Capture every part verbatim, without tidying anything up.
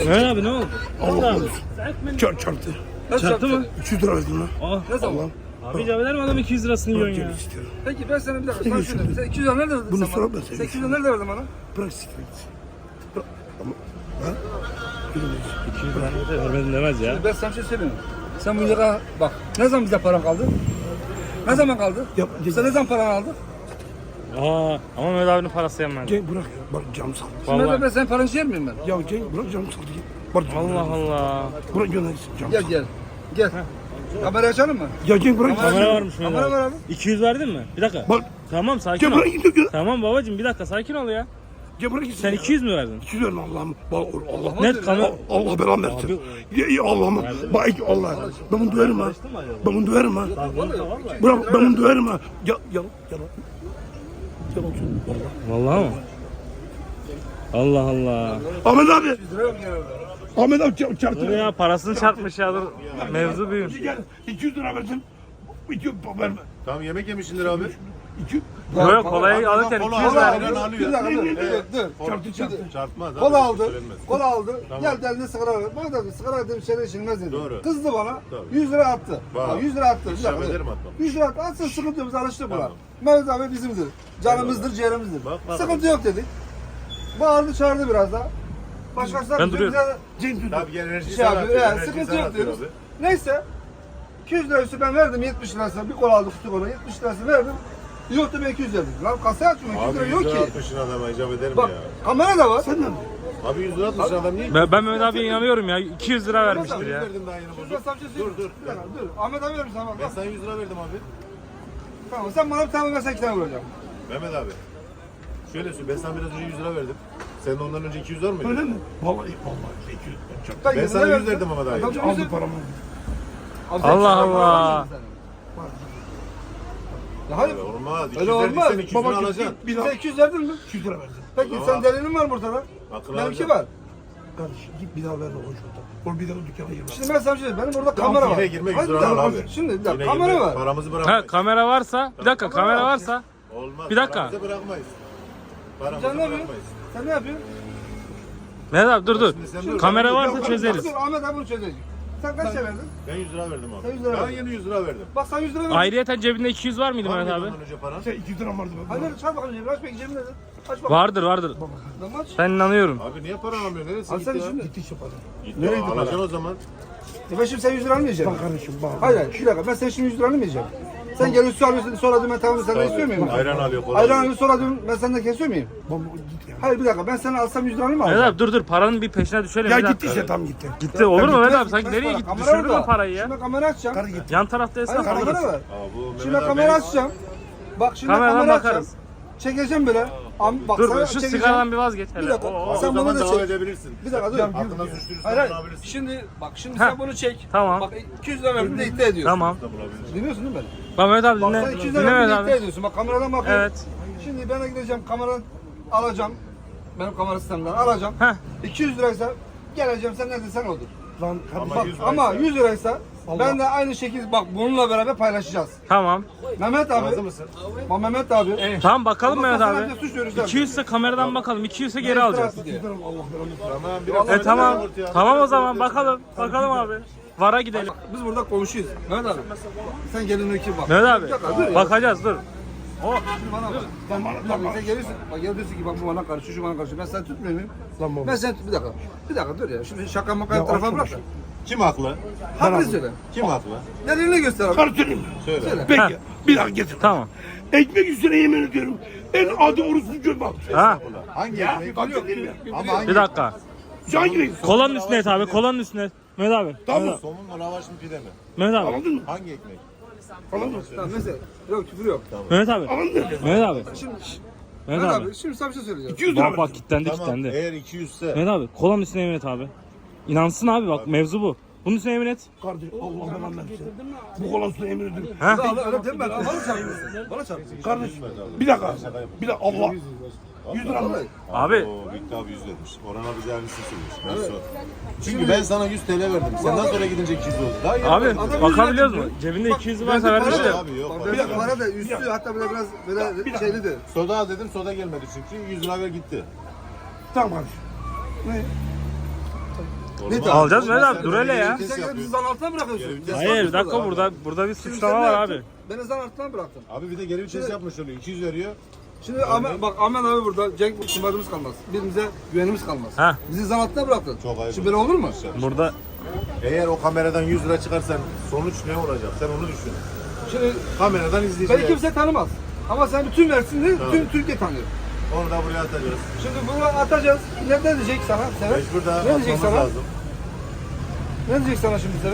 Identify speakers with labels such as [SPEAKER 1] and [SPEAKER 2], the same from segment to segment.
[SPEAKER 1] Mehmet abi ne oldu?
[SPEAKER 2] Allah korusun. Çar çarptı.
[SPEAKER 1] Çarptı mı?
[SPEAKER 2] üç yüz lira verdim lan.
[SPEAKER 1] Aa.
[SPEAKER 3] Ne zaman?
[SPEAKER 1] Abi icap eder mi adam iki yüz lirasını yiyorsun ya?
[SPEAKER 2] Bırak istiyorum.
[SPEAKER 3] Peki ben sana bir dakika sana şunu diyeyim. Sen iki yüz lira nerede verdin
[SPEAKER 2] Bunu
[SPEAKER 3] sen
[SPEAKER 2] sonra
[SPEAKER 3] bana?
[SPEAKER 2] ben sana
[SPEAKER 3] Sen iki yüz lira nerede verdin bana?
[SPEAKER 2] Bırak siktir. Bırak. Ama ha?
[SPEAKER 1] iki yüz lira da vermedin demez ya.
[SPEAKER 3] Ben sana bir şey söyleyeyim. Sen bu lira bak ne zaman bize paran kaldı? Ne zaman kaldı?
[SPEAKER 2] Yap,
[SPEAKER 3] Sen ne zaman paranı aldın?
[SPEAKER 1] Aa, ama Mehmet abinin parası yenmedi.
[SPEAKER 2] Gel bırak ya. Bak canım saldı.
[SPEAKER 3] Şimdi
[SPEAKER 1] Vallahi.
[SPEAKER 3] ben senin paranı yer miyim ben?
[SPEAKER 2] Ya gel bırak canım saldı. Bak
[SPEAKER 1] Allah Allah.
[SPEAKER 2] Bırak göndersin canım
[SPEAKER 3] Gel
[SPEAKER 2] saldı.
[SPEAKER 3] gel. Gel. Kamerayı açalım mı?
[SPEAKER 2] Ya gel bırak.
[SPEAKER 1] Kamera varmış Mehmet
[SPEAKER 3] Kamera var
[SPEAKER 1] abi.
[SPEAKER 3] abi.
[SPEAKER 1] iki yüz verdin mi? Bir dakika.
[SPEAKER 2] Bak
[SPEAKER 1] Tamam sakin
[SPEAKER 2] gel
[SPEAKER 1] ol.
[SPEAKER 2] bırak git gel.
[SPEAKER 1] Tamam babacığım bir dakika sakin ol ya.
[SPEAKER 2] Gel bırak git.
[SPEAKER 1] Sen iki yüz mü verdin?
[SPEAKER 2] iki yüz verme Allah'ım. Bak Allah.
[SPEAKER 1] Net kamera.
[SPEAKER 2] Allah, Allah belanı versin. Ya, ya Allah'ım. Bak Allah. Ben bunu döverim ha. Ben bunu döverim ha. Bırak ben bunu döverim ha. Ya ya ya. Yalan söylüyorum.
[SPEAKER 1] Vallahi mı? Allah Allah.
[SPEAKER 2] Ahmet abi.
[SPEAKER 3] Lira yok ya.
[SPEAKER 2] Ahmet abi çarp- çarptı.
[SPEAKER 1] Dur ya parasını çarpmış ya dur. Mevzu büyür.
[SPEAKER 2] Gel iki yüz lira verdim. iki yüz verme.
[SPEAKER 4] Tamam yemek yemişsindir abi.
[SPEAKER 2] iki yüz.
[SPEAKER 1] Yok yok kolayı alırken
[SPEAKER 4] kola
[SPEAKER 1] iki yüz
[SPEAKER 4] al.
[SPEAKER 1] verdin.
[SPEAKER 4] Ayran alıyor.
[SPEAKER 3] Bir dakika dur.
[SPEAKER 2] Evet.
[SPEAKER 3] Dur. dur.
[SPEAKER 2] Çarptı çarptı.
[SPEAKER 4] Çarpmaz abi.
[SPEAKER 3] Kola
[SPEAKER 4] hiç
[SPEAKER 3] aldı.
[SPEAKER 4] söylenmez.
[SPEAKER 3] Kola aldı.
[SPEAKER 4] Tamam.
[SPEAKER 3] Geldi eline sigara ver. Bana da sigara dedim şeyler içilmez dedi.
[SPEAKER 4] Doğru.
[SPEAKER 3] Kızdı bana.
[SPEAKER 4] Tabii.
[SPEAKER 3] yüz lira attı.
[SPEAKER 4] Bak.
[SPEAKER 3] Ha, yüz lira attı. Bir
[SPEAKER 4] İşlem
[SPEAKER 3] dakika, dur.
[SPEAKER 4] ederim atmam.
[SPEAKER 3] yüz lira attı. Atsın sıkıntı yok. Biz alıştık buna.
[SPEAKER 4] Tamam.
[SPEAKER 3] Mehmet abi bizimdir. Canımızdır, ciğerimizdir.
[SPEAKER 4] Bak, bak.
[SPEAKER 3] Sıkıntı yok dedik. Bağırdı çağırdı biraz daha. Başkası da
[SPEAKER 1] Ben
[SPEAKER 3] bize-
[SPEAKER 1] duruyorum.
[SPEAKER 3] bize
[SPEAKER 2] Cenk dur.
[SPEAKER 4] Tabii gel enerji
[SPEAKER 3] şey
[SPEAKER 4] sana
[SPEAKER 3] yapıyor.
[SPEAKER 4] atıyor.
[SPEAKER 3] Yani
[SPEAKER 4] enerjiyi
[SPEAKER 3] sıkıntı
[SPEAKER 4] sana
[SPEAKER 3] yok
[SPEAKER 4] atıyor
[SPEAKER 3] diyoruz.
[SPEAKER 4] abi.
[SPEAKER 3] Neyse. iki yüz lira üstü ben verdim yetmiş lirası. Bir kola aldık kutu kola. yetmiş lirası verdim. Yoktu ben iki yüz verdim. Lan kasaya açmıyor. iki yüz lira
[SPEAKER 4] Abi
[SPEAKER 3] yok
[SPEAKER 4] yüz lira
[SPEAKER 3] ki.
[SPEAKER 4] atmışsın adama icap ederim
[SPEAKER 3] Bak
[SPEAKER 4] ya.
[SPEAKER 3] kamera da var.
[SPEAKER 2] Sen de mi?
[SPEAKER 4] Abi yüz lira atmışsın adam niye?
[SPEAKER 1] Ben, ben Mehmet abiye inanıyorum ya. iki yüz lira vermiştir
[SPEAKER 4] yüz
[SPEAKER 1] ya.
[SPEAKER 4] verdim daha yeni
[SPEAKER 3] Şurada
[SPEAKER 4] bozuk.
[SPEAKER 3] sana bir şey
[SPEAKER 4] Dur
[SPEAKER 3] söyleyeyim.
[SPEAKER 4] dur.
[SPEAKER 3] Bir dakika dur. Ahmet abi vermiş sana bak.
[SPEAKER 4] Ben sana yüz lira verdim abi.
[SPEAKER 3] Tamam sen bana bir tane versen iki tane vuracağım.
[SPEAKER 4] Mehmet abi. Şöyle söyle ben sana biraz önce yüz lira verdim. Senin ondan önce iki yüz var mıydı?
[SPEAKER 2] Öyle mi? Vallahi vallahi iki yüz lira çarptı.
[SPEAKER 4] Ben
[SPEAKER 3] yüz
[SPEAKER 4] sana
[SPEAKER 3] lira
[SPEAKER 4] yüz verdim ama daha
[SPEAKER 3] Adam
[SPEAKER 4] yeni.
[SPEAKER 3] yüz
[SPEAKER 2] Aldı
[SPEAKER 3] lira-
[SPEAKER 2] paramı.
[SPEAKER 3] Abi sen
[SPEAKER 1] Allah
[SPEAKER 3] iki yüz lira
[SPEAKER 1] Allah.
[SPEAKER 3] para vermedin sen. Ya hayır.
[SPEAKER 4] Öyle olmaz. iki yüz
[SPEAKER 3] Öyle olmaz.
[SPEAKER 4] verdiysen iki yüzünü
[SPEAKER 2] Baba
[SPEAKER 4] alacaksın.
[SPEAKER 2] bir
[SPEAKER 3] Sen
[SPEAKER 2] daha
[SPEAKER 3] iki yüz verdin mi?
[SPEAKER 2] iki yüz lira verdim.
[SPEAKER 3] Peki
[SPEAKER 4] Tamam.
[SPEAKER 3] sen delilin var burada.
[SPEAKER 4] Akıl
[SPEAKER 3] Benimki
[SPEAKER 4] alacağım.
[SPEAKER 3] var.
[SPEAKER 2] Kardeşim git bir daha verme o şurada. Oğlum bir daha dükkana girme.
[SPEAKER 3] Şimdi ben sana bir şey diyeyim. Benim burada kamera var.
[SPEAKER 4] Yine girme yüz
[SPEAKER 3] Hayır, bir
[SPEAKER 4] lira al
[SPEAKER 3] dakika,
[SPEAKER 4] abi.
[SPEAKER 3] Şimdi bir dakika
[SPEAKER 4] Yine
[SPEAKER 3] kamera
[SPEAKER 4] girme,
[SPEAKER 3] var.
[SPEAKER 4] Paramızı
[SPEAKER 1] Ha
[SPEAKER 4] bırakmayız.
[SPEAKER 1] kamera varsa bir dakika
[SPEAKER 3] Kamera
[SPEAKER 1] kamera
[SPEAKER 3] var.
[SPEAKER 1] varsa
[SPEAKER 4] Olmaz.
[SPEAKER 1] Bir dakika.
[SPEAKER 4] Paramızı bırakmayız. Paramızı
[SPEAKER 3] Sen ne yapıyorsun?
[SPEAKER 4] bırakmayız.
[SPEAKER 3] Sen ne yapıyorsun?
[SPEAKER 1] Mehmet abi dur dur.
[SPEAKER 4] Şimdi sen dur.
[SPEAKER 1] Kamera
[SPEAKER 4] Dur,
[SPEAKER 1] varsa
[SPEAKER 4] dur,
[SPEAKER 1] çözeriz.
[SPEAKER 3] Dur Ahmet abi bunu çözecek. Sen kaç şey verdin?
[SPEAKER 4] Ben yüz lira verdim abi.
[SPEAKER 3] Sen yüz lira
[SPEAKER 4] Ben
[SPEAKER 3] verdin.
[SPEAKER 4] yeni yüz lira verdim.
[SPEAKER 3] Bak sen yüz lira verdin.
[SPEAKER 1] Ayrıyeten cebinde iki yüz var mıydı
[SPEAKER 4] Var
[SPEAKER 1] Mehmet
[SPEAKER 4] mıydı
[SPEAKER 1] abi?
[SPEAKER 4] ondan önce paran?
[SPEAKER 2] Sen iki yüz lira vardı.
[SPEAKER 3] Hadi hadi çal bakalım cebine aç bakayım cebine de. Aç bakalım.
[SPEAKER 1] Vardır vardır.
[SPEAKER 3] Lan aç.
[SPEAKER 1] Ben inanıyorum.
[SPEAKER 4] Abi niye para alamıyorsun? Neresi
[SPEAKER 3] Abi
[SPEAKER 4] gitti
[SPEAKER 3] sen
[SPEAKER 4] ya?
[SPEAKER 3] şimdi.
[SPEAKER 2] Gitti işte para.
[SPEAKER 4] Gitti.
[SPEAKER 3] Nereye gitti
[SPEAKER 4] Alacaksın
[SPEAKER 3] para?
[SPEAKER 4] o zaman.
[SPEAKER 3] E ben şimdi sen yüz lira almayacaksın.
[SPEAKER 2] Bak kardeşim bak.
[SPEAKER 3] Hayır hayır bir dakika ben sen şimdi yüz lira almayacağım. Sen geliyorsun su alıyorsun sonra diyorum ben tamam senden istiyor muyum?
[SPEAKER 4] Ayran alıyor. kola
[SPEAKER 3] Ayran
[SPEAKER 4] alıyor.
[SPEAKER 3] alıyorsun sonra diyorum ben senden kesiyor muyum?
[SPEAKER 2] Baba git ya.
[SPEAKER 3] Hayır bir dakika ben sana alsam yüz lira mı
[SPEAKER 1] Mehmet
[SPEAKER 3] alacağım?
[SPEAKER 1] abi dur dur paranın bir peşine düşelim.
[SPEAKER 2] Ya
[SPEAKER 1] bir
[SPEAKER 2] gitti
[SPEAKER 1] dakika.
[SPEAKER 2] işte tam gitti.
[SPEAKER 1] Gitti olur mu Mehmet
[SPEAKER 3] Gitmez,
[SPEAKER 1] abi? Sanki
[SPEAKER 3] gitmez
[SPEAKER 1] nereye
[SPEAKER 3] para.
[SPEAKER 1] gitti?
[SPEAKER 3] Kamera
[SPEAKER 1] Düşürdün mü
[SPEAKER 3] orada.
[SPEAKER 1] parayı ya?
[SPEAKER 3] Şimdi kamera açacağım.
[SPEAKER 2] Karı gitti.
[SPEAKER 1] Yan tarafta
[SPEAKER 3] Hayır
[SPEAKER 1] esnaf
[SPEAKER 3] kamera
[SPEAKER 1] alırız.
[SPEAKER 3] var.
[SPEAKER 4] Aa, bu Mehmet
[SPEAKER 3] Şimdi
[SPEAKER 4] abi
[SPEAKER 3] kamera
[SPEAKER 4] benim-
[SPEAKER 3] açacağım. Bak şimdi
[SPEAKER 1] Kameradan
[SPEAKER 3] kamera açacağım.
[SPEAKER 1] bakarız.
[SPEAKER 3] Çekeceğim böyle. Am, bak
[SPEAKER 1] Dur
[SPEAKER 3] sana
[SPEAKER 1] dur şu
[SPEAKER 3] çekeceğim.
[SPEAKER 1] sigaradan bir vazgeç
[SPEAKER 3] Bir
[SPEAKER 1] hele.
[SPEAKER 3] dakika.
[SPEAKER 1] Oo,
[SPEAKER 4] O
[SPEAKER 3] Sen bunu
[SPEAKER 4] zaman
[SPEAKER 3] da
[SPEAKER 4] devam
[SPEAKER 3] çek.
[SPEAKER 4] edebilirsin.
[SPEAKER 3] Bir dakika dur.
[SPEAKER 4] Aklına suçluysa
[SPEAKER 3] Hayır hayır.
[SPEAKER 4] bulabilirsin.
[SPEAKER 3] Şimdi bak şimdi
[SPEAKER 1] Heh.
[SPEAKER 3] sen bunu çek.
[SPEAKER 1] Tamam.
[SPEAKER 3] Bak iki yüz lira verdim de iddia ediyorsun.
[SPEAKER 1] Tamam.
[SPEAKER 4] Bulabilirsin.
[SPEAKER 3] Dinliyorsun değil mi beni?
[SPEAKER 1] Bak Mehmet abi
[SPEAKER 3] Bak
[SPEAKER 1] dinle.
[SPEAKER 3] sen iki yüz
[SPEAKER 1] Dinle
[SPEAKER 3] lira verdim
[SPEAKER 1] Mehmet
[SPEAKER 3] de iddia
[SPEAKER 1] abi.
[SPEAKER 3] ediyorsun. Bak kameradan bakıyorum.
[SPEAKER 1] Evet.
[SPEAKER 3] Şimdi ben de gideceğim kameradan alacağım. Benim kamera sistemden alacağım.
[SPEAKER 1] Heh.
[SPEAKER 3] iki yüz liraysa geleceğim sen ne desen odur.
[SPEAKER 2] Lan kardeşim.
[SPEAKER 3] Bak
[SPEAKER 4] yüz liraysa-
[SPEAKER 3] ama yüz liraysa
[SPEAKER 2] Allah.
[SPEAKER 3] ben de aynı şekilde bak bununla beraber paylaşacağız.
[SPEAKER 1] Tamam.
[SPEAKER 3] Mehmet abi.
[SPEAKER 4] Razı mısın?
[SPEAKER 3] Bak Mehmet abi.
[SPEAKER 1] Tamam bakalım
[SPEAKER 3] Ama
[SPEAKER 1] Mehmet
[SPEAKER 3] sana
[SPEAKER 1] abi.
[SPEAKER 3] bir de suç görürüz
[SPEAKER 1] iki yüz ise kameradan bakalım. iki yüz ise geri alacağız.
[SPEAKER 3] diye.
[SPEAKER 2] Allah belanı.
[SPEAKER 4] Tamam biraz
[SPEAKER 1] E tamam.
[SPEAKER 4] ortaya.
[SPEAKER 1] Tamam o zaman bakalım. Bakalım abi. Vara gidelim.
[SPEAKER 3] Biz burada komşuyuz. Mehmet abi. Sen gelin iki bak.
[SPEAKER 1] Mehmet abi.
[SPEAKER 3] Bir dakika, dur ya.
[SPEAKER 1] Bakacağız dur. O
[SPEAKER 3] Şimdi bana bak.
[SPEAKER 2] Lan bana-
[SPEAKER 3] Bir
[SPEAKER 2] lan
[SPEAKER 3] dakika, sen gelirsin. Bak gel diyorsun ki bak bu bana karışıyor, şu bana karışıyor. Ben seni tutmuyor muyum?
[SPEAKER 2] Lan baba.
[SPEAKER 3] Ben sen bir dakika. Bir dakika dur ya. Şimdi şaka maka
[SPEAKER 2] Ya
[SPEAKER 3] tarafa
[SPEAKER 2] açma
[SPEAKER 3] bırak. da.
[SPEAKER 2] şu.
[SPEAKER 4] Kim haklı?
[SPEAKER 3] Haklı söyle.
[SPEAKER 4] Kim haklı?
[SPEAKER 3] Delilini göster abi.
[SPEAKER 2] Karı söyleyeyim mi?
[SPEAKER 4] Söyle.
[SPEAKER 3] Söyle.
[SPEAKER 2] Peki. Bir dakika getir.
[SPEAKER 1] Tamam.
[SPEAKER 2] Ekmek üstüne yemin ediyorum. En adi orospu göm bak.
[SPEAKER 1] Ha.
[SPEAKER 4] Hangi
[SPEAKER 2] Ya
[SPEAKER 4] ekmek?
[SPEAKER 2] bak dedim ya.
[SPEAKER 4] Ama hangi?
[SPEAKER 1] Bir dakika.
[SPEAKER 2] Hangi renk?
[SPEAKER 1] Kolanın üstüne et abi. Kolanın üstüne et. Mehmet abi.
[SPEAKER 2] Tamam.
[SPEAKER 4] Somun mu lavaş mı pide mi?
[SPEAKER 1] Mehmet abi.
[SPEAKER 2] Anladın mı?
[SPEAKER 4] Hangi ekmek?
[SPEAKER 2] Anladın mı?
[SPEAKER 3] Tamam mesela. Yok küfür yok.
[SPEAKER 1] Mehmet abi.
[SPEAKER 2] Anladın mı?
[SPEAKER 1] Mehmet abi.
[SPEAKER 3] Şimdi
[SPEAKER 1] Mehmet
[SPEAKER 3] Mehmet
[SPEAKER 1] abi.
[SPEAKER 3] abi şimdi sana bir şey söyleyeceğim.
[SPEAKER 2] iki yüz lira
[SPEAKER 1] Bak bak
[SPEAKER 2] verdim.
[SPEAKER 1] kilitlendi
[SPEAKER 4] Tamam.
[SPEAKER 1] kilitlendi.
[SPEAKER 4] Eğer iki yüz ise
[SPEAKER 1] Mehmet abi. Kolanın üstüne yemin et abi. İnansın abi bak mevzu bu. Bunun üstüne yemin et.
[SPEAKER 2] Kardeşim Allah belanı versin. Bu kolan üstüne yemin ediyorum.
[SPEAKER 1] Ha?
[SPEAKER 3] Öyle öyle deme lan. Bana çarpıyorsun. Bana çarpıyorsun.
[SPEAKER 2] Kardeşim bir dakika. Bir dakika Allah. yüz lira mı?
[SPEAKER 1] Abi.
[SPEAKER 4] Oo, Büyük abi yüz vermiş. Orhan abi zerlisini söylemiş. Ben sor. Çünkü ben sana yüz T L verdim. Senden sonra gidince iki yüz oldu. Daha iyi.
[SPEAKER 1] Abi
[SPEAKER 3] Adam
[SPEAKER 1] bakabiliyoruz
[SPEAKER 3] yüz
[SPEAKER 1] mu?
[SPEAKER 3] lira
[SPEAKER 1] Cebinde
[SPEAKER 3] Bak,
[SPEAKER 1] iki yüz
[SPEAKER 3] bende
[SPEAKER 1] varsa vermiş
[SPEAKER 3] para
[SPEAKER 1] de.
[SPEAKER 3] da-
[SPEAKER 4] Abi yok.
[SPEAKER 3] Bak,
[SPEAKER 4] para
[SPEAKER 3] Bir dakika
[SPEAKER 4] yok.
[SPEAKER 3] para da üstü hatta böyle biraz böyle şeylidir.
[SPEAKER 4] Soda al dedim soda gelmedi çünkü yüz lira ver gitti.
[SPEAKER 2] Tamam kardeşim. Ne?
[SPEAKER 3] Ne tamam?
[SPEAKER 1] Alacağız Mehmet abi, dur hele ya.
[SPEAKER 3] Sen gidip bizi zan altına bırakıyorsun.
[SPEAKER 1] Hayır bir dakika, burada burada bir suçlama var abi.
[SPEAKER 3] Beni zan altına bıraktın.
[SPEAKER 4] Abi bir de geri vites yapmış oluyor. iki yüz veriyor.
[SPEAKER 3] Şimdi Ahmet, bak Ahmet abi burada, Cenk itimadımız kalmaz. Birbirimize güvenimiz kalmaz.
[SPEAKER 1] Ha.
[SPEAKER 3] Bizi zan altına bıraktın.
[SPEAKER 4] Çok ayıp.
[SPEAKER 3] Şimdi böyle olur mu?
[SPEAKER 1] Burada
[SPEAKER 4] Eğer o kameradan yüz lira çıkarsan sonuç ne olacak? Sen onu düşün.
[SPEAKER 3] Şimdi
[SPEAKER 4] Kameradan izleyeceğiz.
[SPEAKER 3] beni kimse tanımaz. Ama sen bütün Mersin'i,
[SPEAKER 4] Tamam.
[SPEAKER 3] bütün Türkiye tanıyor.
[SPEAKER 4] Onu da buraya atacağız.
[SPEAKER 3] Şimdi bunu atacağız. Ne, ne diyecek sana Sever?
[SPEAKER 4] Mecbur da
[SPEAKER 3] Ne diyecek
[SPEAKER 4] atmamız
[SPEAKER 3] sana?
[SPEAKER 4] lazım.
[SPEAKER 3] Ne diyecek sana şimdi Sever?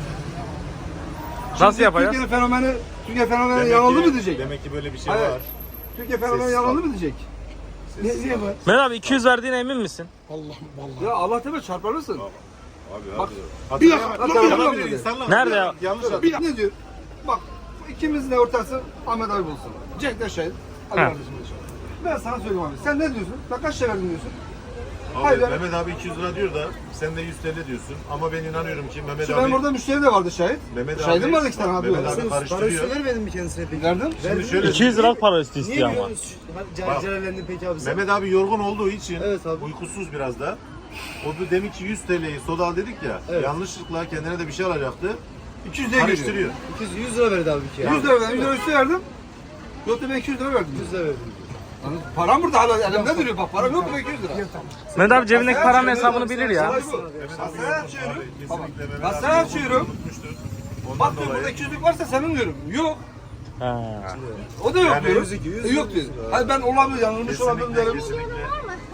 [SPEAKER 1] nasıl
[SPEAKER 3] Şimdi
[SPEAKER 1] yapacağız?
[SPEAKER 3] Türkiye fenomeni, Türkiye fenomeni
[SPEAKER 4] Demek
[SPEAKER 3] yanıldı
[SPEAKER 4] ki-
[SPEAKER 3] mı diyecek?
[SPEAKER 4] Demek ki böyle bir şey
[SPEAKER 3] Hayır.
[SPEAKER 4] var.
[SPEAKER 3] Türkiye fenomeni
[SPEAKER 4] Sessiz
[SPEAKER 3] yanıldı
[SPEAKER 4] kal.
[SPEAKER 3] mı diyecek? Ne, niye bu?
[SPEAKER 1] Mehmet abi iki yüz verdiğine emin misin?
[SPEAKER 2] Allah'ım vallahi.
[SPEAKER 3] Ya Allah tepe çarparırsın.
[SPEAKER 4] Abi
[SPEAKER 3] Bak.
[SPEAKER 4] abi.
[SPEAKER 2] Bir dakika,
[SPEAKER 3] Bak,
[SPEAKER 2] dur,
[SPEAKER 3] bak,
[SPEAKER 2] bir
[SPEAKER 3] bak,
[SPEAKER 2] dakika.
[SPEAKER 3] bak.
[SPEAKER 4] Olabilir, insanlar-
[SPEAKER 1] Nerede ya?
[SPEAKER 4] Yanlış at.
[SPEAKER 3] Bir ne diyor? Bak ikimizin de ortası Ahmet abi bulsun. Cenk de şahit. Ali
[SPEAKER 1] Ha.
[SPEAKER 3] kardeşim de şahit. Ben sana söyleyeyim abi. Sen ne diyorsun? Ben kaç şey verdin diyorsun?
[SPEAKER 4] Abi
[SPEAKER 3] Hayır.
[SPEAKER 4] Mehmet abi iki yüz lira diyor da sen de yüz T L diyorsun. Ama ben inanıyorum ki Mehmet
[SPEAKER 3] Şimdi
[SPEAKER 4] abi...
[SPEAKER 3] benim burada müşteri de vardı şahit.
[SPEAKER 4] Mehmet abi...
[SPEAKER 3] Şahidim vardı iki tane abi.
[SPEAKER 4] Mehmet abi karıştırıyor.
[SPEAKER 5] vermedin mi kendisine peki?
[SPEAKER 3] Verdim.
[SPEAKER 4] Şimdi şöyle...
[SPEAKER 1] iki yüz liralık para üstü
[SPEAKER 5] Niye
[SPEAKER 1] istiyor ama.
[SPEAKER 5] biliyorsunuz?
[SPEAKER 4] Bak.
[SPEAKER 5] Celallendin peki abi sen?
[SPEAKER 4] Mehmet abi yorgun olduğu için
[SPEAKER 5] Evet abi.
[SPEAKER 4] uykusuz biraz da. O da demek ki yüz T L'yi soda al dedik ya.
[SPEAKER 5] Evet.
[SPEAKER 4] Yanlışlıkla kendine de bir şey alacaktı.
[SPEAKER 3] iki yüz liraya geliyor.
[SPEAKER 4] Karıştırıyor.
[SPEAKER 5] iki yüz, yüz lira verdi abi bir kere.
[SPEAKER 3] yüz lira verdim. yüz lira üstü verdim. Yok da ben iki yüz lira verdim.
[SPEAKER 5] yüz lira verdi.
[SPEAKER 3] Yani param burada hala elimde duruyor bak. Param yok mu iki yüz lira?
[SPEAKER 1] Mehmet abi cebindeki paranın hesabını bilir ya.
[SPEAKER 3] Olay bu. Kasaya açıyorum. Kasaya açıyorum.
[SPEAKER 4] Ondan
[SPEAKER 3] Bak diyor
[SPEAKER 4] dolayı...
[SPEAKER 3] burada iki yüzlük varsa senin diyorum. Yok.
[SPEAKER 1] Ha.
[SPEAKER 3] O da yok
[SPEAKER 4] Yani
[SPEAKER 3] diyor.
[SPEAKER 4] yüz iki, yüz
[SPEAKER 3] E, yok diyor. Hayır ben olabilir yanılmış olabilirim
[SPEAKER 4] Kesinlikle,
[SPEAKER 3] derim.
[SPEAKER 4] kesinlikle.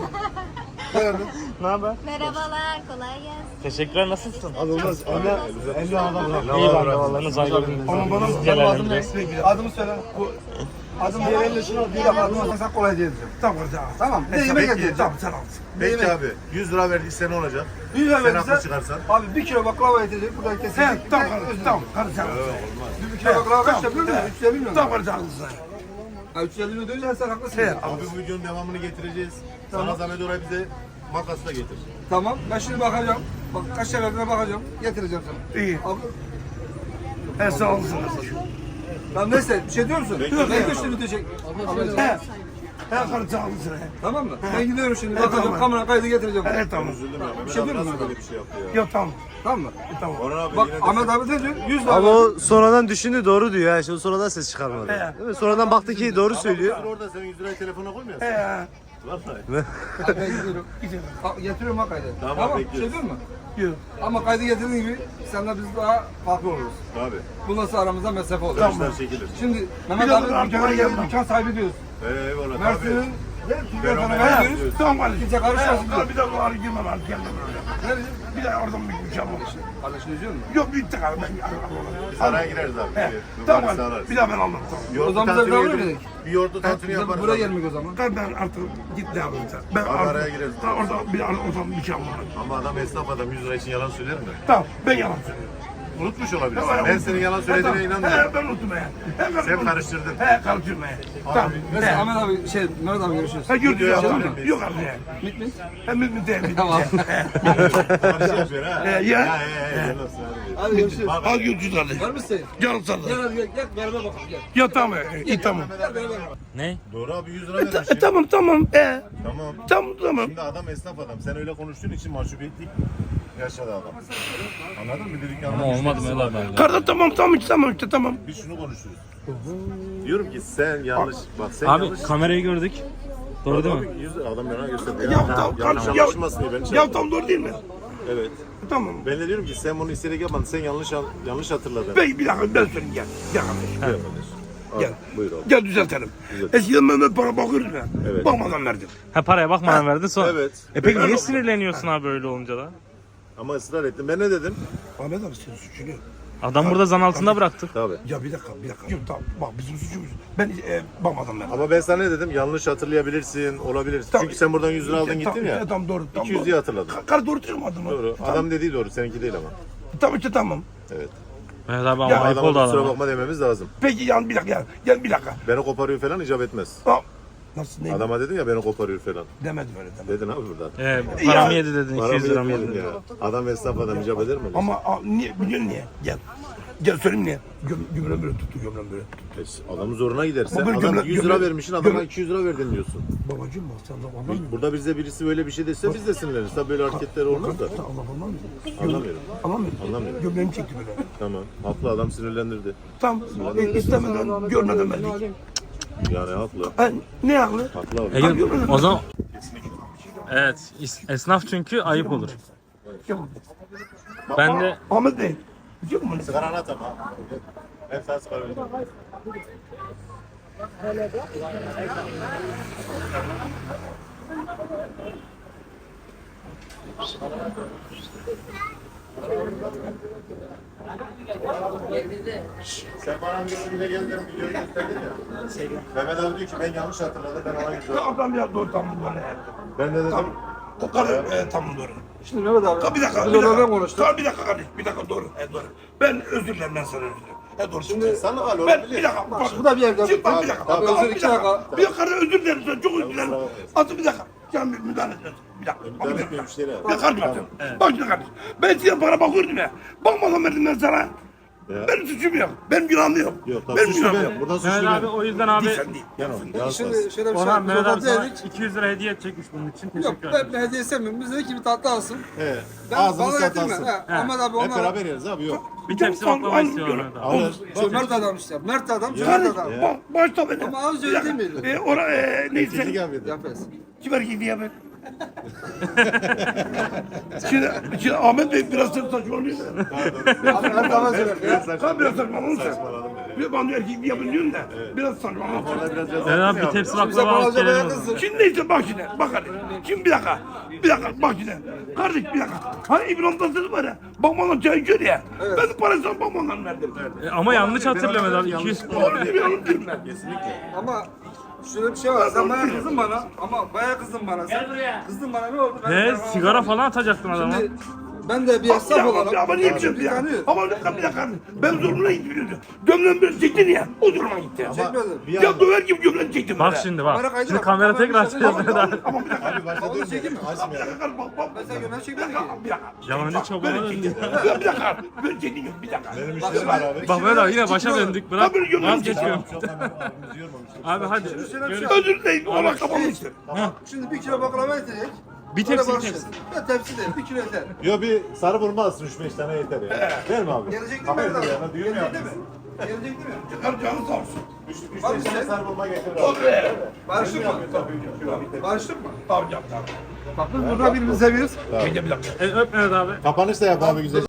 [SPEAKER 1] Ne haber?
[SPEAKER 6] Merhabalar, kolay gelsin.
[SPEAKER 1] Teşekkürler, nasılsın?
[SPEAKER 5] Abi olmaz ama elli adam
[SPEAKER 1] İyi ben de vallahi nasıl ayrıldınız?
[SPEAKER 3] Ama bana
[SPEAKER 1] Biz
[SPEAKER 3] benim adım ne?
[SPEAKER 1] celallendiririz.
[SPEAKER 3] Adımı söyle. Bu adımı diğerlerine şunu bir dakika adımı söylesen kolay diyeceğim.
[SPEAKER 2] Tamam tamam.
[SPEAKER 3] Tamam. Ne yemek edeceğim.
[SPEAKER 2] Tamam sen al.
[SPEAKER 4] Peki abi yüz lira verdiyse ne olacak?
[SPEAKER 3] Bir lira
[SPEAKER 4] Sen haklı
[SPEAKER 3] verirse
[SPEAKER 4] çıkarsan.
[SPEAKER 3] abi bir kilo baklava yetecek buradan
[SPEAKER 2] He
[SPEAKER 3] kesecek.
[SPEAKER 2] tamam kardeşim tamam kardeşim.
[SPEAKER 3] Bir kilo baklava kaç yapıyor mu? üç yüz elli milyon.
[SPEAKER 2] Tamam kardeşim haklısın.
[SPEAKER 3] Ha üç yüz elli milyon diyorsan sen haklısın.
[SPEAKER 2] He.
[SPEAKER 4] Abi bu videonun devamını getireceğiz. Sana zahmet oraya bize makas da getir.
[SPEAKER 3] Tamam. Ben şimdi bakacağım. Bak kaç şey verdiğine bakacağım. Getireceğim sana.
[SPEAKER 2] İyi.
[SPEAKER 3] Abi,
[SPEAKER 2] He sağ olasın.
[SPEAKER 3] lan neyse bir şey diyor musun? Yok. Ben güçlü bitecek.
[SPEAKER 2] He. He kardeşim haklısın. he.
[SPEAKER 3] Tamam mı? Ben gidiyorum şimdi. Bakacağım
[SPEAKER 2] tamam.
[SPEAKER 3] kamera kaydı getireceğim.
[SPEAKER 2] He tamam.
[SPEAKER 4] Üzüldüm ya. Mehmet
[SPEAKER 3] şey
[SPEAKER 4] abi
[SPEAKER 3] diyor musun
[SPEAKER 4] nasıl
[SPEAKER 3] abi?
[SPEAKER 4] böyle bir şey yaptı ya?
[SPEAKER 2] Yok tamam.
[SPEAKER 3] Tamam mı?
[SPEAKER 2] Tamam.
[SPEAKER 4] Orhan abi
[SPEAKER 3] Bak
[SPEAKER 4] yine de
[SPEAKER 3] Ahmet abi ne diyor? yüz lira.
[SPEAKER 5] Ama
[SPEAKER 3] verdim.
[SPEAKER 5] o sonradan düşündü doğru diyor ya. Şimdi sonradan ses çıkarmadı.
[SPEAKER 2] He.
[SPEAKER 5] Değil mi? Sonradan baktı ki doğru söylüyor.
[SPEAKER 4] Sen orada senin yüz lirayı telefona koymuyorsun.
[SPEAKER 2] He.
[SPEAKER 4] Vallahi.
[SPEAKER 3] Hadi ben gidiyorum. Ha, getiriyorum ha kaydı.
[SPEAKER 4] Tamam,
[SPEAKER 3] tamam.
[SPEAKER 4] bekliyoruz.
[SPEAKER 3] Şey diyor mu?
[SPEAKER 2] Yok.
[SPEAKER 3] Ama kaydı getirdiğin gibi senle biz daha farklı oluruz.
[SPEAKER 4] Abi.
[SPEAKER 3] Bundan sonra aramızda mesafe olur.
[SPEAKER 4] Taşlar çekilir.
[SPEAKER 3] Şimdi Mehmet
[SPEAKER 2] Bir
[SPEAKER 3] abi
[SPEAKER 2] dakika,
[SPEAKER 3] dükkana
[SPEAKER 2] arkaya
[SPEAKER 3] geldi,
[SPEAKER 2] gelme.
[SPEAKER 3] dükkan sahibi diyoruz.
[SPEAKER 4] Eyvallah abi.
[SPEAKER 3] Mersin'in ve Türkiye
[SPEAKER 4] Fenomen.
[SPEAKER 3] fenomeni
[SPEAKER 4] He.
[SPEAKER 3] diyoruz.
[SPEAKER 2] Tamam kardeşim.
[SPEAKER 3] Kimse karışmasın
[SPEAKER 2] He,
[SPEAKER 3] diyor.
[SPEAKER 2] Bir dakika var girme var gelme böyle.
[SPEAKER 3] Ne diyeceğim?
[SPEAKER 2] Bir de oradan bir şey yapalım.
[SPEAKER 3] Kardeşini üzüyor musun?
[SPEAKER 2] Yok bitti kardeşim.
[SPEAKER 4] Biz araya gireriz abi.
[SPEAKER 2] He.
[SPEAKER 4] Bir
[SPEAKER 2] Tamam
[SPEAKER 4] numarası ararız.
[SPEAKER 2] bir daha ben aldım tamam.
[SPEAKER 4] Yoğurtlu
[SPEAKER 3] O zaman bize
[SPEAKER 4] tantuni
[SPEAKER 3] bir
[SPEAKER 4] yediririz.
[SPEAKER 3] dedik.
[SPEAKER 4] Bir yoğurtlu tantuni
[SPEAKER 3] Bize
[SPEAKER 4] yaparız
[SPEAKER 3] buraya
[SPEAKER 4] abi.
[SPEAKER 3] gelmek o zaman.
[SPEAKER 2] Ben ben artık git ne yapayım sen. Ben
[SPEAKER 4] Abi
[SPEAKER 2] artık-
[SPEAKER 4] araya gireriz.
[SPEAKER 2] Tamam orada bir oradan bir şey yapalım.
[SPEAKER 4] Ama adam esnaf adam yüz lira için yalan söyler mi?
[SPEAKER 2] Tamam ben yalan söylüyorum.
[SPEAKER 4] Unutmuş olabilirsin.
[SPEAKER 2] Tamam,
[SPEAKER 4] Ben senin yalan söylediğine
[SPEAKER 2] He,
[SPEAKER 4] inanmıyorum.
[SPEAKER 2] He ben unuttum he. He, ben
[SPEAKER 4] Sen
[SPEAKER 2] unuttum.
[SPEAKER 4] karıştırdın.
[SPEAKER 2] He karıştırma he. Tamam.
[SPEAKER 3] Neyse
[SPEAKER 2] He.
[SPEAKER 3] Ahmet abi şey Mehmet abi görüşürüz.
[SPEAKER 2] He gördün
[SPEAKER 4] Video
[SPEAKER 2] ya.
[SPEAKER 4] yapalım
[SPEAKER 2] Tamam.
[SPEAKER 4] biz.
[SPEAKER 2] Yok abi he.
[SPEAKER 3] Mit mit.
[SPEAKER 2] He mi mi değil mi?
[SPEAKER 3] Tamam.
[SPEAKER 4] Karışıyor yapıyor ha.
[SPEAKER 2] He, ya.
[SPEAKER 4] Ya he he. Gel olsun hadi.
[SPEAKER 3] Hadi görüşürüz.
[SPEAKER 4] Bak,
[SPEAKER 2] Al görüşürüz hadi.
[SPEAKER 3] Var mısın?
[SPEAKER 2] Canım sana.
[SPEAKER 3] Gel hadi gel, gel beraber bakalım gel.
[SPEAKER 2] Ya tamam he. İyi tamam.
[SPEAKER 3] Gel beraber.
[SPEAKER 1] Ne?
[SPEAKER 4] Doğru abi yüz lira
[SPEAKER 2] E,
[SPEAKER 4] vermiş
[SPEAKER 2] ta-
[SPEAKER 4] ya.
[SPEAKER 2] e, tamam tamam. He.
[SPEAKER 4] Tamam.
[SPEAKER 2] Tamam tamam.
[SPEAKER 4] Şimdi adam esnaf adam. Sen öyle konuştuğun için mahcubiyetlik yaşadı adam. Anladın mı? Dedik
[SPEAKER 1] Ama olmadı Mehmet abi.
[SPEAKER 2] Kardeş tamam tamam işte tamam işte tamam.
[SPEAKER 4] Biz şunu konuşuyoruz. Diyorum ki sen yanlış. Bak sen
[SPEAKER 1] Abi
[SPEAKER 4] yanlış.
[SPEAKER 1] kamerayı gördük. Doğru değil mi?
[SPEAKER 4] Abi, yüz lira adam yana gösterdi ya.
[SPEAKER 2] Ya tamam
[SPEAKER 4] yanlış
[SPEAKER 2] kardeşim ya.
[SPEAKER 4] anlaşılmasın diye beni
[SPEAKER 2] Ya
[SPEAKER 4] çağırdı.
[SPEAKER 2] tamam doğru değil mi?
[SPEAKER 4] Evet.
[SPEAKER 2] Tamam.
[SPEAKER 4] Ben de diyorum ki sen bunu isteyerek yapmadın. Sen yanlış an- yanlış hatırladın.
[SPEAKER 2] Bey bir dakika ben söyleyeyim gel. Gel kardeşim.
[SPEAKER 4] Buyur kardeşim. Al,
[SPEAKER 2] Gel.
[SPEAKER 4] Buyur abi.
[SPEAKER 2] Gel düzeltelim.
[SPEAKER 4] Düzelt.
[SPEAKER 2] Eskiden Mehmet para bakıyordu ya.
[SPEAKER 4] Evet.
[SPEAKER 2] Bakmadan verdim.
[SPEAKER 1] Ha paraya bakmadan verdin sonra.
[SPEAKER 4] Evet.
[SPEAKER 1] E peki niye sinirleniyorsun abi öyle olunca da?
[SPEAKER 4] Ama ısrar ettim. Ben ne dedim?
[SPEAKER 2] Ahmet abi senin suçun yok.
[SPEAKER 1] Adam burada zan altında bıraktık.
[SPEAKER 4] Tabii.
[SPEAKER 2] Ya bir dakika bir dakika. Yok tamam bak bizim suçumuz. Ben e, bakmadan verdim.
[SPEAKER 4] Ama ben sana ne dedim? Yanlış hatırlayabilirsin, olabilirsin.
[SPEAKER 2] Tamam.
[SPEAKER 4] Çünkü sen buradan yüz lira aldın
[SPEAKER 2] E,
[SPEAKER 4] gittin
[SPEAKER 2] tamam,
[SPEAKER 4] ya.
[SPEAKER 2] e, Tamam doğru. Tamam,
[SPEAKER 4] iki yüz
[SPEAKER 2] doğru.
[SPEAKER 4] diye hatırladın.
[SPEAKER 2] Ka- Kar doğru çıkmadı mı?
[SPEAKER 4] Doğru.
[SPEAKER 2] Tamam.
[SPEAKER 4] Adam dediği doğru, seninki değil ama.
[SPEAKER 2] Tamam işte tamam.
[SPEAKER 4] Evet.
[SPEAKER 1] Mehmet abi ama
[SPEAKER 2] Ya
[SPEAKER 1] ayıp
[SPEAKER 4] Adama
[SPEAKER 1] oldu
[SPEAKER 4] kusura
[SPEAKER 1] adama.
[SPEAKER 4] bakma dememiz lazım.
[SPEAKER 2] Peki yan bir dakika gel. Gel bir dakika.
[SPEAKER 4] Beni koparıyor falan icap etmez.
[SPEAKER 2] Tamam. Nasıl ne?
[SPEAKER 4] Adama dedin ya beni koparıyor falan.
[SPEAKER 2] Demedim öyle demedim.
[SPEAKER 4] Dedin abi buradan.
[SPEAKER 1] E, paramı yedi dedin, iki
[SPEAKER 4] Paramı
[SPEAKER 1] yüz lira mı
[SPEAKER 4] yedim
[SPEAKER 1] yedin?
[SPEAKER 4] ya. Adam esnaf adam icap eder mi?
[SPEAKER 2] Ama a, niye biliyorsun niye? Gel. Gel söyleyeyim niye? Göm, gömlem böyle tuttu, gömlem böyle.
[SPEAKER 4] E, Adamın zoruna giderse
[SPEAKER 2] Baba,
[SPEAKER 4] adam
[SPEAKER 2] gömle-
[SPEAKER 4] yüz lira
[SPEAKER 2] gömle-
[SPEAKER 4] vermişsin adama
[SPEAKER 2] gömle-
[SPEAKER 4] iki yüz lira verdin diyorsun.
[SPEAKER 2] Babacığım bak sen de anlamıyorsun.
[SPEAKER 4] Burada bize birisi böyle bir şey dese biz de sinirleniriz. Tabii böyle hareketler olmaz da.
[SPEAKER 2] Sen Allah anlamıyorsun.
[SPEAKER 4] Anlamıyorum.
[SPEAKER 2] Anlamıyorum.
[SPEAKER 4] Anlamıyorum.
[SPEAKER 2] Gömleğimi çekti böyle.
[SPEAKER 4] Tamam. Haklı adam sinirlendirdi.
[SPEAKER 2] Tam e, istemeden, görmeden verdik.
[SPEAKER 4] Yani haklı.
[SPEAKER 2] Ha, ne haklı?
[SPEAKER 4] Haklı abi.
[SPEAKER 1] Egin o zaman... Evet, is- esnaf çünkü ayıp olur.
[SPEAKER 2] Yok.
[SPEAKER 1] Ben de
[SPEAKER 2] Ahmet Bey. Yok mu?
[SPEAKER 4] Sigaranı at ama. Ben sana sigara vereceğim. Sen bana birisine geldin videoyu gösterdin ya. Mehmet abi diyor ki ben yanlış hatırladım ben ona gidiyorum.
[SPEAKER 2] Adam ya doğru tam böyle.
[SPEAKER 4] Ben de dedim.
[SPEAKER 2] O kadar e, tam doğru.
[SPEAKER 3] Şimdi Mehmet abi.
[SPEAKER 2] Ha, bir dakika, bir
[SPEAKER 3] Biz
[SPEAKER 2] dakika.
[SPEAKER 3] onlardan konuştuk.
[SPEAKER 2] Tamam, bir dakika kardeş, bir dakika doğru. E, doğru. Ben özür dilerim, ben sana özür dilerim. E, doğru. Şimdi
[SPEAKER 4] Sana hal
[SPEAKER 2] ben
[SPEAKER 4] olabilir.
[SPEAKER 2] bir dakika. Bak,
[SPEAKER 3] bu da bir yerde.
[SPEAKER 2] Şimdi bak bir dakika.
[SPEAKER 3] Abi,
[SPEAKER 2] Tamam,
[SPEAKER 3] özür
[SPEAKER 2] bir
[SPEAKER 3] iki
[SPEAKER 2] dakika.
[SPEAKER 3] dakika.
[SPEAKER 2] Bir dakika özür dilerim, sana çok özür dilerim.
[SPEAKER 4] Tamam.
[SPEAKER 2] Atı bir dakika. Can müdahale etmez. Bir dakika. Bak,
[SPEAKER 4] Müdahale
[SPEAKER 2] bir
[SPEAKER 4] etmiyor
[SPEAKER 2] dakika.
[SPEAKER 4] müşteri.
[SPEAKER 2] Bir dakika kardeşim. Bak şimdi kardeşim. Ben size para bakıyordum ya. Bakmadan verdim ben sana.
[SPEAKER 4] Ya.
[SPEAKER 2] Benim suçum yok. Benim günahım yok.
[SPEAKER 4] Yok tabii
[SPEAKER 2] Benim
[SPEAKER 4] suçlu
[SPEAKER 2] günahım
[SPEAKER 4] benim.
[SPEAKER 2] yok.
[SPEAKER 4] Buradan suçlu
[SPEAKER 1] Mehmet abi
[SPEAKER 4] benim.
[SPEAKER 1] o yüzden abi
[SPEAKER 2] Değil, sen değil.
[SPEAKER 4] Yan ol. Yan
[SPEAKER 3] Şimdi
[SPEAKER 4] ol.
[SPEAKER 3] şöyle bir şey
[SPEAKER 1] Orhan
[SPEAKER 3] biz
[SPEAKER 1] Mehmet abi
[SPEAKER 3] orada
[SPEAKER 1] sana
[SPEAKER 3] dedik.
[SPEAKER 1] iki yüz lira hediye edecekmiş bunun için.
[SPEAKER 3] Yok
[SPEAKER 1] Teşekkür
[SPEAKER 3] ben
[SPEAKER 1] ederim.
[SPEAKER 3] bir hediye istemiyorum. Bize iki bir tatlı alsın.
[SPEAKER 4] Evet.
[SPEAKER 3] Ben
[SPEAKER 4] Ağzını
[SPEAKER 3] bana getirme.
[SPEAKER 4] satarsın.
[SPEAKER 3] He, Ahmet abi
[SPEAKER 4] Hep
[SPEAKER 3] onlar.
[SPEAKER 4] beraber yeriz abi yok.
[SPEAKER 1] Bir tepsi
[SPEAKER 2] Tamam,
[SPEAKER 1] baklava
[SPEAKER 2] al,
[SPEAKER 1] istiyorum
[SPEAKER 2] al.
[SPEAKER 1] Mehmet abi.
[SPEAKER 4] Alır.
[SPEAKER 3] Şu Mert adam işte. Mert adam, şu Mert
[SPEAKER 2] Kardeş,
[SPEAKER 3] adam.
[SPEAKER 2] bak, başla beni.
[SPEAKER 3] Ama az önce değil miydi?
[SPEAKER 2] E, ora, e, neyse.
[SPEAKER 4] Çekik abiydi.
[SPEAKER 3] Yapes.
[SPEAKER 2] Kim erkek diye ben? şimdi, şimdi Ahmet Bey biraz sırf saçmalıyor.
[SPEAKER 3] Abi Mert adam söyler. ya.
[SPEAKER 2] Sen biraz saçmalıyorsun sen.
[SPEAKER 4] Saçmaladım dedi.
[SPEAKER 2] Bir bana erkek diye biliyorsun da. Biraz saçmalıyorsun.
[SPEAKER 4] Orada biraz ceza
[SPEAKER 1] Mehmet abi
[SPEAKER 4] yaptı
[SPEAKER 1] bir
[SPEAKER 4] ya.
[SPEAKER 1] tepsi
[SPEAKER 3] Bize
[SPEAKER 1] baklava
[SPEAKER 3] bana
[SPEAKER 1] alıp
[SPEAKER 3] acaba
[SPEAKER 1] gelelim.
[SPEAKER 3] yakınsın.
[SPEAKER 2] Şimdi neyse bak şimdi. Bak hadi. Şimdi bir dakika. Bir dakika bak şimdi. Kardeş bir dakika. Hani İbrahim Tatlıses var ya. Bakmadan çay içiyor ya. Ben de parasını bakmadan verdim.
[SPEAKER 1] E, Ama yanlış hatırlıyor Mehmet abi. iki yüz
[SPEAKER 2] Doğru değil mi? Yanlış değil mi?
[SPEAKER 3] Ama şöyle bir şey var. Sen bayağı kızdın bana. Ama bayağı kızdın bana. Sen kızdın bana ne oldu? Ben
[SPEAKER 1] Ne?
[SPEAKER 3] sana-
[SPEAKER 1] Sigara falan atacaktın adama.
[SPEAKER 3] Şimdi ben de bir esnaf olarak.
[SPEAKER 2] Ama niye bir şey
[SPEAKER 3] Bir
[SPEAKER 2] ya?
[SPEAKER 3] tanıyor.
[SPEAKER 2] Ama bir dakika bir dakika. Ben zoruna gidiyorum. Gömleğimi böyle çektin ya. O zoruma gitti.
[SPEAKER 3] Çekmedim.
[SPEAKER 4] Bir
[SPEAKER 2] Ya
[SPEAKER 4] anda.
[SPEAKER 2] döver gibi gömleğini çektim.
[SPEAKER 1] Bak
[SPEAKER 2] böyle.
[SPEAKER 1] şimdi
[SPEAKER 3] Kamera
[SPEAKER 1] bak.
[SPEAKER 3] kaydı
[SPEAKER 1] Şimdi
[SPEAKER 3] var.
[SPEAKER 1] kamera
[SPEAKER 3] Kamera
[SPEAKER 1] tekrar
[SPEAKER 3] kaydı
[SPEAKER 1] açacağız
[SPEAKER 3] var.
[SPEAKER 1] Mehmet abi.
[SPEAKER 2] Ama bir dakika.
[SPEAKER 4] Abi başta
[SPEAKER 3] Onu
[SPEAKER 4] dönmüyor.
[SPEAKER 3] çekeyim mi?
[SPEAKER 4] Açmıyor.
[SPEAKER 2] Bir dakika bak bak.
[SPEAKER 3] Ben sen gömleği
[SPEAKER 2] Bir
[SPEAKER 3] çekmedim
[SPEAKER 2] dakika,
[SPEAKER 3] ki.
[SPEAKER 2] bir dakika.
[SPEAKER 1] Yalancı çobana döndü.
[SPEAKER 2] Ya bir dakika. Böyle çektin yok bir dakika.
[SPEAKER 4] Benim müşterim var abi.
[SPEAKER 1] Bak Mehmet abi yine başa döndük. Bırak.
[SPEAKER 2] Abi, gömleğini
[SPEAKER 1] Vazgeçiyorum.
[SPEAKER 4] Çok hemen abimizi yormamıştık.
[SPEAKER 1] Abi hadi. Görüş-
[SPEAKER 2] Özür dilerim. Ona kapamıştır.
[SPEAKER 3] Şimdi bir kilo baklava yetecek.
[SPEAKER 1] Bir
[SPEAKER 3] Sonra
[SPEAKER 1] tepsi bir
[SPEAKER 3] barışırız.
[SPEAKER 1] tepsi.
[SPEAKER 3] Ya tepsi değil. Bir kilo yeter.
[SPEAKER 4] Yo bir sarı burma alsın üç beş tane yeter ya. Değil mi abi?
[SPEAKER 3] Gelecek değil mi?
[SPEAKER 4] Hayır
[SPEAKER 3] Mert abi?
[SPEAKER 4] ya. Düğün mü
[SPEAKER 3] Gelecek değil
[SPEAKER 4] yaptınız?
[SPEAKER 3] mi? Gelecek değil mi?
[SPEAKER 2] Çıkar canı sağ olsun.
[SPEAKER 4] Üç üç
[SPEAKER 3] Abi
[SPEAKER 4] beş tane
[SPEAKER 3] sen-
[SPEAKER 4] sarı burma getir abi.
[SPEAKER 2] Olur be.
[SPEAKER 3] Barıştık mı? Barıştık mı?
[SPEAKER 2] Tamam yap tamam.
[SPEAKER 3] Bak biz burada birbirimizi seviyoruz.
[SPEAKER 2] Bekle bir dakika.
[SPEAKER 1] E, öp Mehmet abi.
[SPEAKER 4] Kapanış da yap abi güzel.